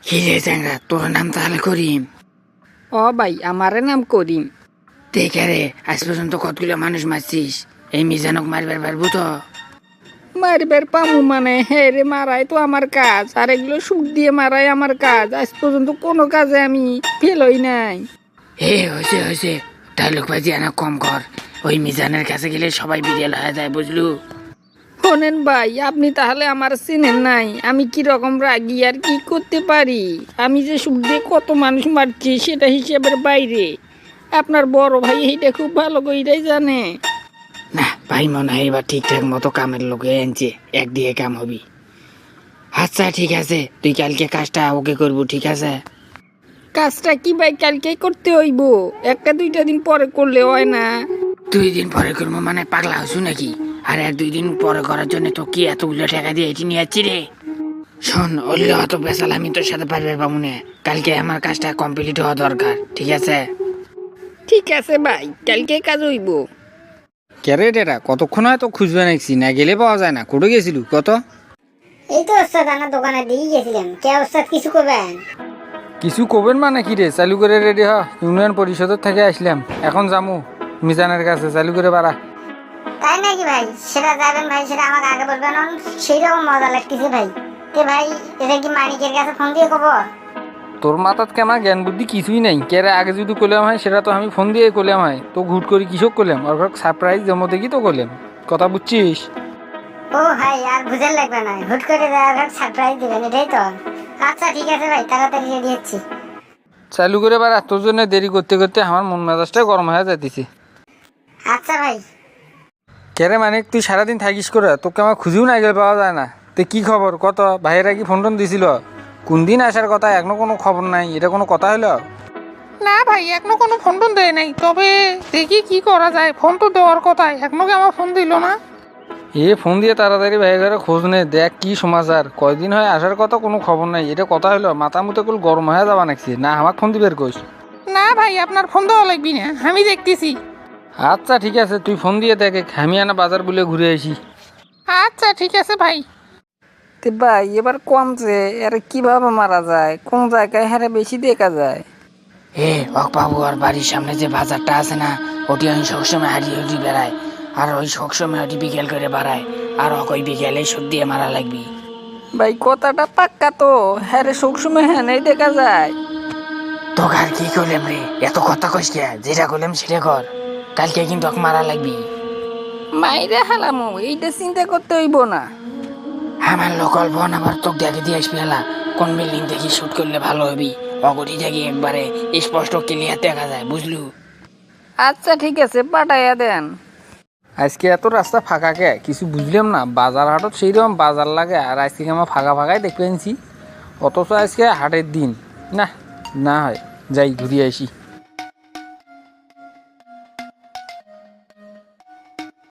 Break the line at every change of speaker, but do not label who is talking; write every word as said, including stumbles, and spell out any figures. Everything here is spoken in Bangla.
কি রে চ্যাংরা, তোর নাম তাহলে করিম?
ও ভাই, আমারে নাম করিম।
দেখে রে, আজ পর্যন্ত কতগুলো মানুষ মারছিস, এই মিজানক মারবার পারবো তো?
মারবার পামু মানে হে রে, মারাই তো আমার কাজ, আর এগুলো সুখ দিয়ে মারাই আমার কাজ। আজ পর্যন্ত কোনো কাজে আমি ফেল হই নাই।
হে হয়েছে হয়েছে, ডায়লগ বাজি আনা কম কর। ওই মিজানের কাছে গেলে সবাই বিড়াল হয়ে যায়, বুঝলু?
শোনেন ভাই, আপনি তাহলে আমার চেনেন নাই, আমি কি রকম রাগি আর কি করতে পারি। আমি যে সুখ দিয়ে কত মানুষ মারছি সেটা হিসেবের বাইরে। আপনার বড় ভাই এইটা খুব ভালো করেই জানে।
না ভাই, মনে হয় এবার ঠিকঠাক মতো কামের লোকে আনছে, এক দিয়ে কাম হবি। আচ্ছা ঠিক আছে, তুই কালকে কাজটা ওকে করবো, ঠিক আছে?
কাজটা কি ভাই কালকেই করতে হইব? একটা দুইটা দিন পরে করলে হয় না?
দুই দিন পরে করবো মানে পাগলা হসু নাকি? আর এক দুই দিন পরে করার জন্য তো কি এতগুলো টাকা দিয়ে এটি নিয়ে যাচ্ছি রে? শোন, ওলে অত বেসাল আমি তোর সাথে পারবে পাবো না। কালকে আমার কাজটা কমপ্লিট হওয়া দরকার, ঠিক আছে?
ঠিক আছে ভাই, কালকে কাজ হইব।
ক্যারেট এটা কতক্ষণ হয় তো খুঁজবে নাকি, না গেলে পাওয়া যায় না। কোটে গেছিলু কত?
এই তো ওস্তাদ, আমার দোকানে দিয়ে গেছিলাম। কে ওস্তাদ কিছু করবেন?
কিছু কবেন মানে কি রে, চালু করে রেডি হ। ইউনিয়ন পরিষদের থেকে আসলাম, এখন যামু মিজানের কাছে। চালু করে বাড়া।
তাই নাকি ভাই? সেটা যাবেন ভাই, সেটা আমাকে আগে বলবেন। সেই রকম মজা লাগতেছে ভাই। তে ভাই, এটা কি মানিকের কাছে ফোন দিয়ে কব?
তোর মাথাত কেমন জ্ঞান বুদ্ধি কিছুই নাই। কেরে আগে যদি করলাম হয় সেটা তো আমি ফোন দিয়ে করলাম হয়, তো ঘুট করি কিসব করলাম, ওর সারপ্রাইজ জমো দেখি তো করলাম। কথা বুঝছিস?
ও ভাই, আর বুঝেন লাগবে না, হুট করে যাওয়ার সারপ্রাইজ দিবেন, এটাই তো। আচ্ছা ঠিক আছে ভাই, তাড়াতাড়ি রেডি হচ্ছি।
চালু করে বাড়া, তোর জন্য দেরি করতে করতে আমার মন মেজাজটা গরম হয়ে যাইতেছে।
আচ্ছা ভাই।
কেরে মানে তুই সারাদিন থাকিস করে, তোকে আমার খুঁজেও না গেলে পাওয়া যায় না। তো কি খবর কত? ভাইয়েরা কি ফোন টোন দিছিল? কোন দিন আসার কথা, এখনো কোনো খবর নাই। এটা কোনো কথা হলো?
না ভাই, এখনো কোনো ফোন টোন দেয় নাই, তবে দেখি কি করা যায়। ফোন তো দেওয়ার কথা, এখনো কি আমার ফোন দিল না?
এ ফোন দিয়ে তাড়াতাড়ি ভাই ঘরে খোঁজ নে, দেখ কি সমাচার। কয়দিন হয় আসার কথা, কোনো খবর নাই। এটা কথা হলো? মাথা মুতে কুল গরম হয়ে যাবা নাকি? না আমাকে ফোন দিবের কইস?
না ভাই, আপনার ফোন দেওয়া লাগবি না, আমি দেখতেছি।
আচ্ছা ঠিক আছে, তুই ফোন দিয়ে দেখে, আমি আনা বাজার বলে ঘুরে আসি।
আচ্ছা ঠিক আছে ভাই। তে ভাই, এবার কমছে, এর কিভাবে মারা যায়, কোন জায়গায় হারে বেশি দেখা যায়?
এ অক বাবু, আর বাড়ির সামনে যে বাজারটা আছে না, ওটি আমি সবসময় হারিয়ে হাঁটি বেড়াই। আর ওই সবসময় ওটি বিকেল করে বাড়ায়। আর ওকে ওই বিকেলে সুদ দিয়ে মারা লাগবি।
ভাই কথাটা পাক্কা তো? হ্যাঁ রে, সবসময় হ্যাঁ নেই দেখা যায়।
তোকে আর কি করলাম রে, এত কথা কইস কে? যেটা করলাম সেটা কর, কালকে কিন্তু ওকে মারা লাগবি।
মাইরে হালামু, এইটা চিন্তা করতে হইব না।
আমার লোকাল বোন আবার তোকে দেখে দিয়ে আসবি। হেলা কোন বিল্ডিং দেখি শুট করলে ভালো হবি, অগটি দেখি একবারে স্পষ্ট ক্লিয়ার দেখা যায়, বুঝলু?
আচ্ছা ঠিক আছে, পাঠাইয়া দেন।
আজকে এত রাস্তা ফাঁকা কে, কিছু বুঝলাম না। বাজার হাটত সেই রকম বাজার লাগে, আর আজকে আমার ফাঁকা ফাঁকাই দেখতে আনছি। অথচ আজকে হাটের দিন। না না হয়, যাই ঘুরিয়ে আসি।